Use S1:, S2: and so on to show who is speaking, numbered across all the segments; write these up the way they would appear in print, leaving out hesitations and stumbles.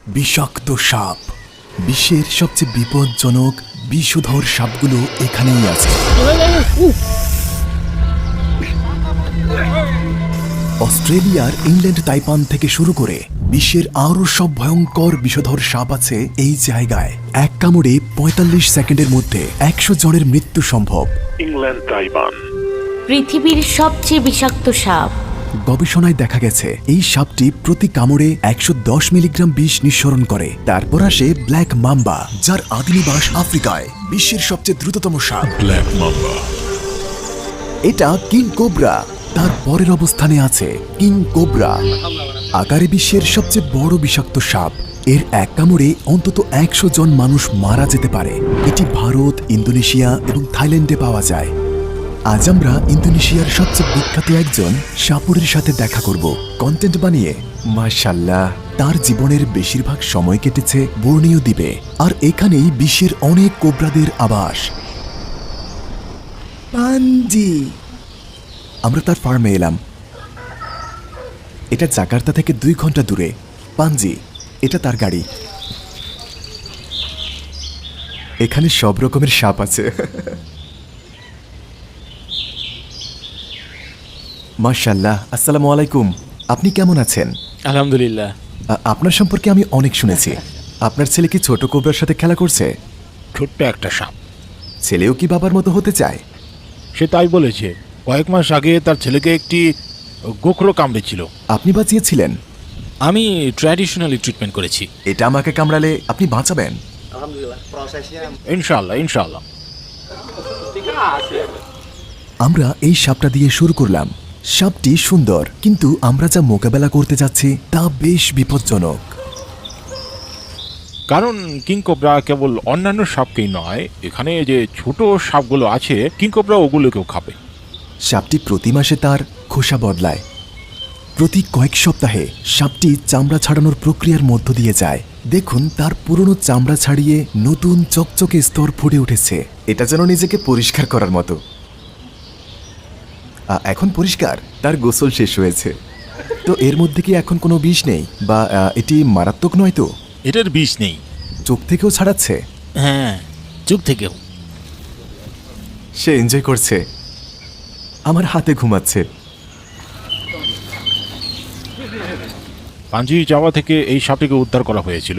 S1: বিষাক্ত সাপ। বিশ্বের সবচেয়ে বিপজ্জনক বিষধর সাপগুলো এখানেই আছে। অস্ট্রেলিয়ার ইংল্যান্ড তাইপান থেকে শুরু করে বিশ্বের আরও সব ভয়ঙ্কর বিষধর সাপ আছে এই জায়গায়। এক কামড়ে ৪৫ সেকেন্ডের মধ্যে ১০০ জনের মৃত্যু সম্ভব।
S2: ইংল্যান্ড তাইবান
S3: পৃথিবীর সবচেয়ে বিষাক্ত সাপ।
S1: গবেষণায় দেখা গেছে এই সাপটি প্রতি কামড়ে ১১০ মিলিগ্রাম বিষ নিঃসরণ করে। তারপর আসে ব্ল্যাক মাম্বা, যার আদিনিবাস আফ্রিকায়। বিশ্বের সবচেয়ে দ্রুততম সাপ
S2: ব্ল্যাক মাম্বা।
S1: এটা কিং কোবরা। তার পরের অবস্থানে আছে কিং কোবরা, আকারে বিশ্বের সবচেয়ে বড় বিষাক্ত সাপ। এর এক কামড়ে অন্তত ১০০ জন মানুষ মারা যেতে পারে। এটি ভারত, ইন্দোনেশিয়া এবং থাইল্যান্ডে পাওয়া যায়। আজ আমরা ইন্দোনেশিয়ার সবচেয়ে বিখ্যাত একজন সাপুরের সাথে দেখা করব কন্টেন্ট বানিয়ে। মাশাআল্লাহ, তার জীবনের বেশিরভাগ সময় কেটেছে বর্ণীয় দ্বীপে, আর এখানেই বিশ্বের অনেক কোবরাদের আবাস। পাঞ্জি। আমরা তার ফার্মে এলাম। এটা জাকার্তা থেকে ২ ঘন্টা দূরে। পাঞ্জি, এটা তার গাড়ি। এখানে সব রকমের সাপ আছে। মাশাআল্লাহ। আসসালামু আলাইকুম। আপনি কেমন আছেন?
S4: আলহামদুলিল্লাহ।
S1: আপনার সম্পর্কে আমি অনেক শুনেছি। আপনার ছেলে কি ছোট কোবরার সাথে খেলা করছে?
S4: ছোট্ট একটা সাপ।
S1: ছেলেও কি বাবার মতো হতে চায়?
S4: সে তাই বলেছে। কয়েক মাস আগে তার ছেলেকে একটি গোখরো কামড়েছিল।
S1: আপনি বাঁচিয়েছিলেন?
S4: আমি ট্র্যাডিশনালি ট্রিটমেন্ট করেছি।
S1: এটা আমাকে কামড়ালে আপনি বাঁচাবেন?
S4: ইনশাআল্লাহ ইনশাআল্লাহ।
S1: আমরা এই সাপটা দিয়ে শুরু করলাম। সাপটি সুন্দর, কিন্তু আমরা যা মোকাবেলা করতে যাচ্ছি তা বেশ বিপজ্জনক।
S4: কারণ কিং কোবরা কেবল অন্যান্য সাপকেই নয়, এখানে যে ছোট সাপগুলো আছে কিং কোবরা ওগুলোকেও খাবে।
S1: সাপটি প্রতি মাসে তার খোসা বদলায়। প্রতি কয়েক সপ্তাহে সাপটি চামড়া ছাড়ানোর প্রক্রিয়ার মধ্য দিয়ে যায়। দেখুন, তার পুরনো চামড়া ছাড়িয়ে নতুন চকচকে স্তর ফুটে উঠেছে। এটা যেন নিজেকে পরিষ্কার করার মতো। এখন পরিষ্কার। তার গোসল শেষ হয়েছে। তো এর মধ্যে কি এখন কোনো বিষ নেই, বা এটি মারাত্মক নয় তো?
S4: এটার বিষ নেই।
S1: চোখ থেকেও ছাড়াচ্ছে?
S4: হ্যাঁ, চোখ থেকেও।
S1: সে এনজয় করছে। আমার হাতে ঘুমাচ্ছে।
S4: পাঞ্জি জাভা থেকে এই সাপটিকে উদ্ধার করা হয়েছিল।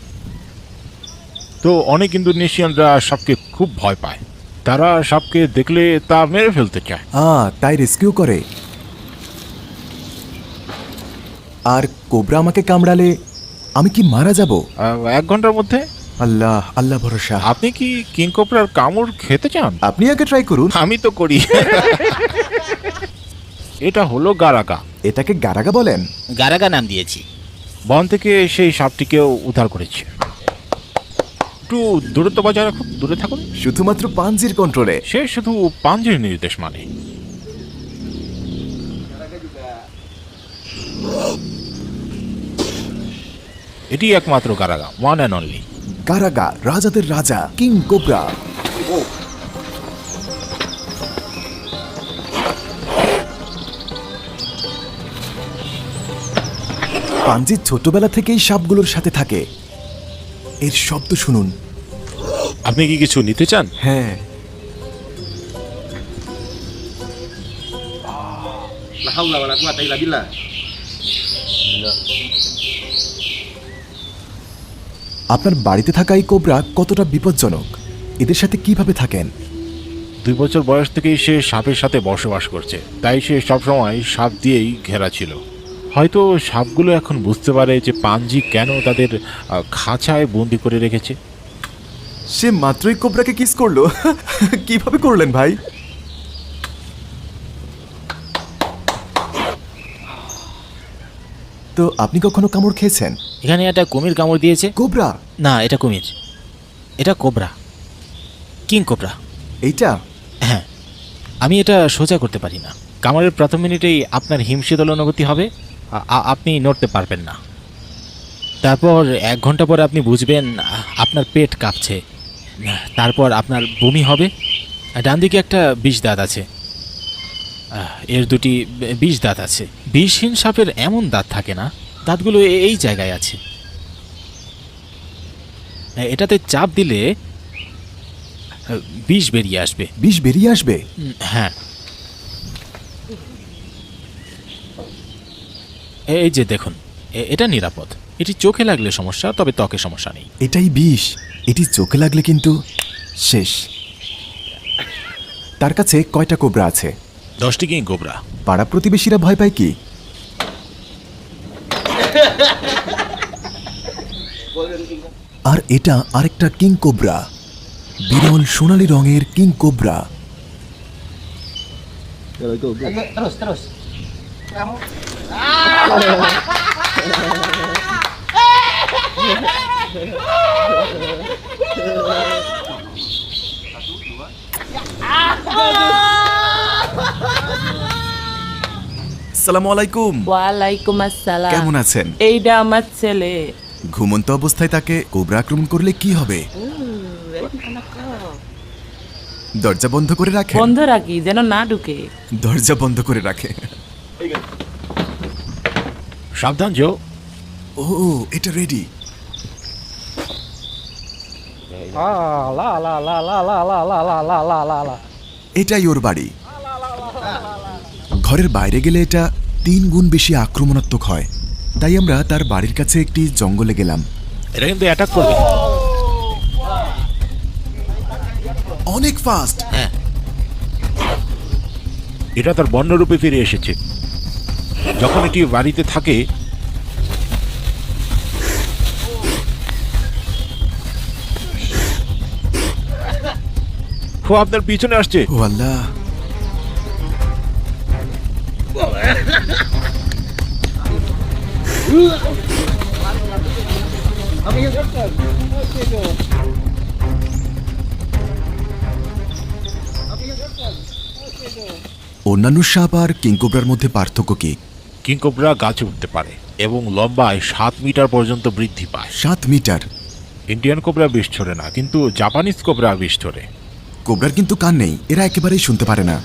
S4: তো অনেক ইন্দোনেশিয়ানরা সাপকে খুব ভয় পায়। তারা সাপকে দেখলে তা মেরে ফেলতে চায়।
S1: তাই রেস্কিউ করে। আর কোবরা আমাকে কামড়ালে আমি কি মারা যাব?
S4: 1 ঘন্টার মধ্যে।
S1: আল্লাহ আল্লাহ ভরসা।
S4: আপনি কি কিং কোবরার কামড় খেতে চান?
S1: আপনি আগে ট্রাই করুন।
S4: আমি তো করি। এটা হলো গারাগা।
S1: এটাকে গারাগা বলেন?
S5: গারাগা নাম দিয়েছি।
S4: বন থেকে সেই সাপটিকেও উদ্ধার করেছে। একটু দূরত্ব বজায় রাখুন, দূরে থাকুন।
S1: শুধুমাত্র পাঞ্জির কন্ট্রোলে।
S4: সে শুধু পাঞ্জির নির্দেশ মানে। এটি একমাত্র গারাগা, ওয়ান অ্যান্ড অনলি।
S1: গারাগা, রাজাদের রাজা, কিং কোবরা। পাঞ্জি ছোটবেলা থেকেই সাপগুলোর সাথে থাকে। এর শব্দ শুনুন।
S4: আপনি কি কিছু নিতে চান?
S1: হ্যাঁ। আপনার বাড়িতে থাকা এই কোবরা কতটা বিপজ্জনক? এদের সাথে কিভাবে থাকেন?
S4: 2 বছর বয়স থেকেই সে সাপের সাথে বসবাস করছে, তাই সে সবসময় সাপ দিয়েই ঘেরা ছিল। হয়তো সাপগুলো এখন বুঝতে পারে যে পাঞ্জি কেন তাদের খাঁচায় বন্দি করে রেখেছে।
S1: সে মাত্রই কোবরাকে কিস করলো। কিভাবে করলেন ভাই? তো আপনি কখনো কামড় খেয়েছেন?
S5: এখানে একটা কুমির কামড় দিয়েছে।
S1: কোবরা?
S5: না, এটা কুমির। এটা কোবরা, কিং কোবরা।
S1: এইটা?
S5: হ্যাঁ, আমি এটা সোজা করতে পারি না। কামড়ের প্রথম মিনিটেই আপনার হিমশীতল অনুভূতি হবে। আপনি নড়তে পারবেন না। তারপর 1 ঘন্টা পরে আপনি বুঝবেন আপনার পেট কাঁপছে। তারপর আপনার বমি হবে। ডান দিকে একটা বিষ দাঁত আছে, এর 2টি বিষ দাঁত আছে। বিষহীন সাপের এমন দাঁত থাকে না, দাঁতগুলো এই জায়গায় আছে। এটাতে চাপ দিলে বিষ বেরিয়ে আসবে।
S1: বিষ বেরিয়ে আসবে?
S5: হ্যাঁ, এই যে দেখুন, এটা নিরাপদ। এটি চোখে লাগলে সমস্যা, তবে ত্বকে সমস্যা নেই।
S1: এটাই বিষ। এটি চোখে লাগলে কিন্তু শেষ। তার কাছে কয়টা কোবরা আছে?
S5: 10টি কিং কোবরা।
S1: পাড়া প্রতিবেশীরা ভয় পায় কি? আর এটা আরেকটা কিং কোবরা, বিরল সোনালী রঙের কিং কোবরা। আসসালামু আলাইকুম।
S6: ওয়ালাইকুম আসসালাম।
S1: কেমন আছেন?
S6: এইটা আমার ছেলে।
S1: ঘুমন্ত অবস্থায় তাকে কোবরা আক্রমণ করলে কি হবে? দরজা বন্ধ করে রাখে।
S6: বন্ধ রাখি যেন না ঢুকে।
S1: দরজা বন্ধ করে রাখে।
S5: সাবধান জো।
S1: ও, এটা রেডি। এটাই ওর বাড়ি। ঘরের বাইরে গেলে এটা 3 গুণ বেশি আক্রমণাত্মক হয়। তাই আমরা তার বাড়ির কাছে একটি জঙ্গলে গেলাম।
S5: এটা কিন্তু অ্যাটাক করবে।
S1: অনেক ফাস্ট।
S5: হ্যাঁ,
S4: এটা তার বন্যরূপে ফিরে এসেছে। যখন এটি বাড়িতে থাকে ও আপনার পিছনে আসছে।
S1: ও আল্লাহ! অন্যান্য সাপ আর কিংকোবরার মধ্যে পার্থক্য কি?
S4: কিংকোবরা গাছে উঠতে পারে এবং লম্বায় 7 মিটার পর্যন্ত বৃদ্ধি পায়।
S1: 7 মিটার?
S4: ইন্ডিয়ান কোবরা বিষ ছড়ে না, কিন্তু জাপানিজ কোবরা বিষ ছড়ে।
S1: কোবরার কিন্তু কান নেই, এরা একেবারেই শুনতে পারে না।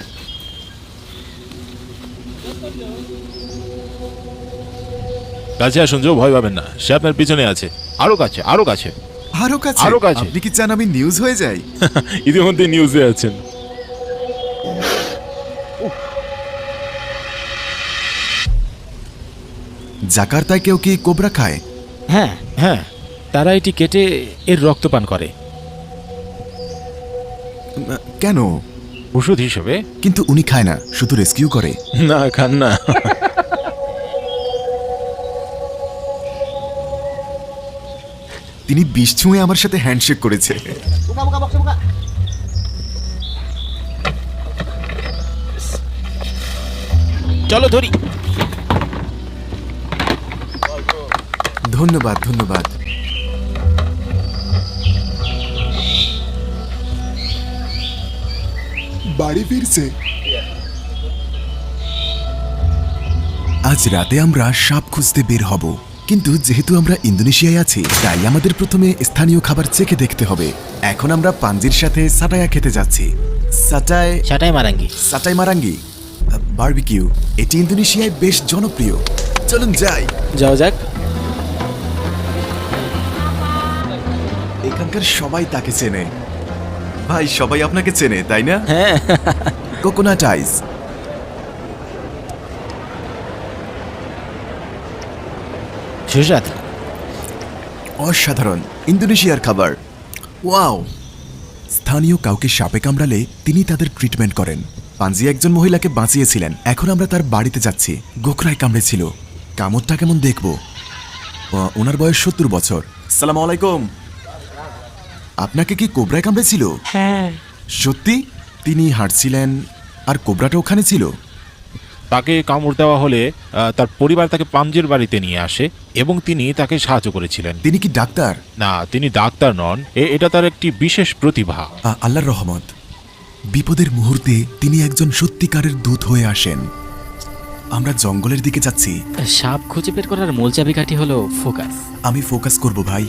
S4: কাছে আসুন, যে ভয় পাবেন না, সে আপনার পিছনে আছে। আরো কাছে, আরো কাছে।
S1: আরো কাছে?
S4: আরো কাছে।
S1: আপনি কি চান আমি নিউজ হয়ে যাই?
S4: ইতিমধ্যে নিউজে আছেন।
S1: জাকার্তায় কেউ কি কোবরা খায়?
S5: হ্যাঁ হ্যাঁ, তারা এটি কেটে এর রক্ত পান করে।
S1: কেন?
S4: ওষুধ হিসেবে।
S1: কিন্তু উনি খায় না, শুধু রেস্কিউ করে।
S4: না, খান না।
S1: তিনি বিষ ছুঁয়ে আমার সাথে হ্যান্ডশেক করেছে।
S5: চলো ধরি।
S1: ধন্যবাদ, ধন্যবাদ। বাড়ি ফিরছে। আজ রাতে আমরা সাপ খুঁজতে বের হব, কিন্তু যেহেতু আমরা ইন্দোনেশিয়ায় আছি তাই আমাদের প্রথমে স্থানীয় খাবার চেখে দেখতে হবে। এখন আমরা পাঞ্জির সাথে সাটায়া খেতে যাচ্ছি।
S5: সাটাই মারাঙ্গি।
S1: সাটাই মারাঙ্গি বারবিকিউ, এটি ইন্দোনেশিয়ায় বেশ জনপ্রিয়। চলুন যাই।
S5: যাও যাক।
S1: এখানকার সবাই তাকে চেনে। ভাই, সবাই আপনাকে চেনে, তাই না?
S5: হ্যাঁ।
S1: Coconut ice.
S5: সুস্বাদ।
S1: অসাধারণ ইন্দোনেশিয়ার খাবার। ওয়াও! স্থানীয় কাউকে সাপে কামড়ালে তিনি তাদের ট্রিটমেন্ট করেন। পাঞ্জি একজন মহিলাকে বাঁচিয়েছিলেন। এখন আমরা তার বাড়িতে যাচ্ছি। গোখরায় কামড়েছিল। কামড়টা কেমন দেখব। ওনার বয়স 70 বছর। আসসালামু আলাইকুম। আপনাকে কি কোবরায় কামড়েছিল?
S6: হ্যাঁ।
S1: সত্যি? তিনি হাঁটছিলেন আর কোবরাটা ওখানে ছিল?
S4: তাকে কামড় দেওয়া হলে তার পরিবার তাকে পাঞ্জের বাড়িতে নিয়ে আসে এবং তিনি তাকে সাহায্য করেছিলেন।
S1: তিনি কি ডাক্তার?
S4: না, তিনি ডাক্তার নন। এটা তার একটি বিশেষ প্রতিভা।
S1: আল্লাহর রহমত। বিপদের মুহূর্তে তিনি একজন সত্যিকারের দূত হয়ে আসেন। আমরা জঙ্গলের দিকে যাচ্ছি।
S5: সাপ খুঁজে বের করার মূল চাবিকাঠি হলো ফোকাস।
S1: আমি ফোকাস করব ভাই।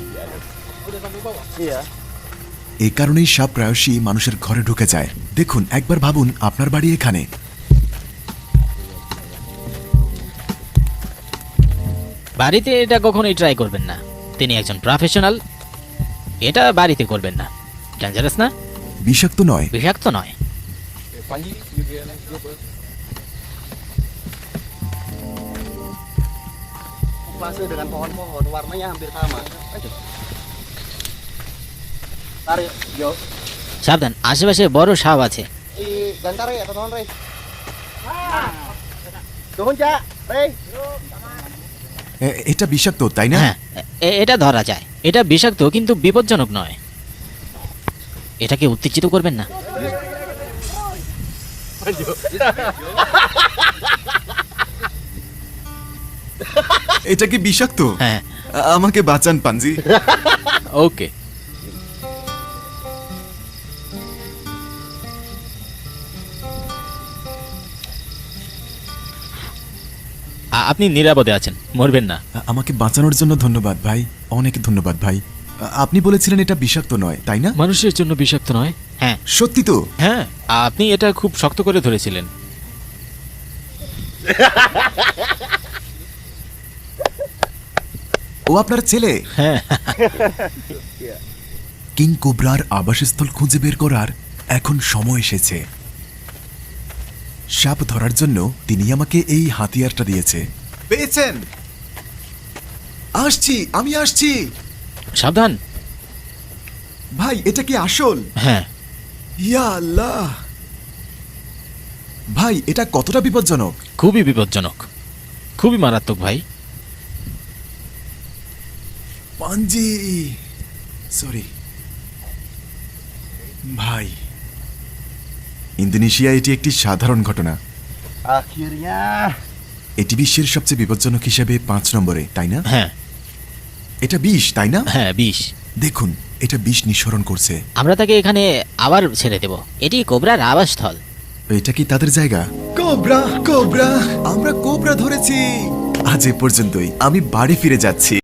S1: এই কারণেই সাপ প্রায়শই মানুষের ঘরে ঢুকে যায়। দেখুন, একবার ভাবুন আপনার বাড়ি এখানে।
S5: বাড়িতে এটা কখনোই ট্রাই করবেন না। তিনি একজন প্রফেশনাল এটা বাড়িতে করবেন না, ডেঞ্জারাস না?
S1: বিষাক্ত নয়।
S5: বিষাক্ত নয়।
S7: Masih dengan pohon-pohon warnanya hampir sama. Ayo. Tarik, yo.
S5: সাবধান, আশেপাশে বড় সাপ আছে।
S7: Gantar ya, teman Rey. Tuhun, Cak. Rey.
S1: এটা বিষাক্ত তাই না?
S5: হ্যাঁ, এটা ধরা যায়। এটা বিষাক্ত কিন্তু বিপজ্জনক নয়। এটাকে উত্তেজিত করবেন না।
S1: এটা কি বিষাক্ত?
S5: হ্যাঁ।
S1: আমাকে বাঁচান পাঞ্জি।
S5: ওকে। আপনি নিরাপদে আছেন, মরবেন না।
S1: আমাকে বাঁচানোর জন্য ধন্যবাদ ভাই, অনেক ধন্যবাদ ভাই। আপনি বলেছিলেন এটা বিষাক্ত নয় তাই না?
S5: মানুষের জন্য বিষাক্ত নয়। হ্যাঁ
S1: সত্যি তো?
S5: হ্যাঁ, আপনি এটা খুব শক্ত করে ধরেছিলেন।
S1: ও আপনার ছেলে?
S5: হ্যাঁ।
S1: কিং কোবরার আবাসস্থল খুঁজে বের করার এখন সময় এসেছে। সাপ ধরার জন্য তিনি আমাকে এই হাতিয়ারটা দিয়েছে। পেয়েছেন? আসছি, আমি আসছি।
S5: সাবধান।
S1: ভাই এটা কি আসল?
S5: হ্যাঁ।
S1: ইয়া আল্লাহ! ভাই এটা কতটা বিপজ্জনক?
S5: খুবই বিপজ্জনক, খুবই মারাত্মক ভাই।
S1: পাঞ্জি, সরি ভাই। ইন্দোনেশিয়া এটি একটি সাধারণ ঘটনা।
S7: Akhirnya.
S1: এটি বিশ্বের সবচেয়ে বিপজ্জনক হিসেবে 5 নম্বরে তাই না?
S5: হ্যাঁ
S1: এটা বিষ তাই না?
S5: হ্যাঁ, বিষ।
S1: দেখুন এটা বিষ নিঃসরণ করছে।
S5: আমরা তাকে এখানে আবার ছেড়ে দেব। এটি কোবরার আবাসস্থল।
S1: এটা কি তাদের জায়গা? কোবরা, কোবরা, আমরা কোবরা ধরেছি। আজ এ পর্যন্তই, আমি বাড়ি ফিরে যাচ্ছি।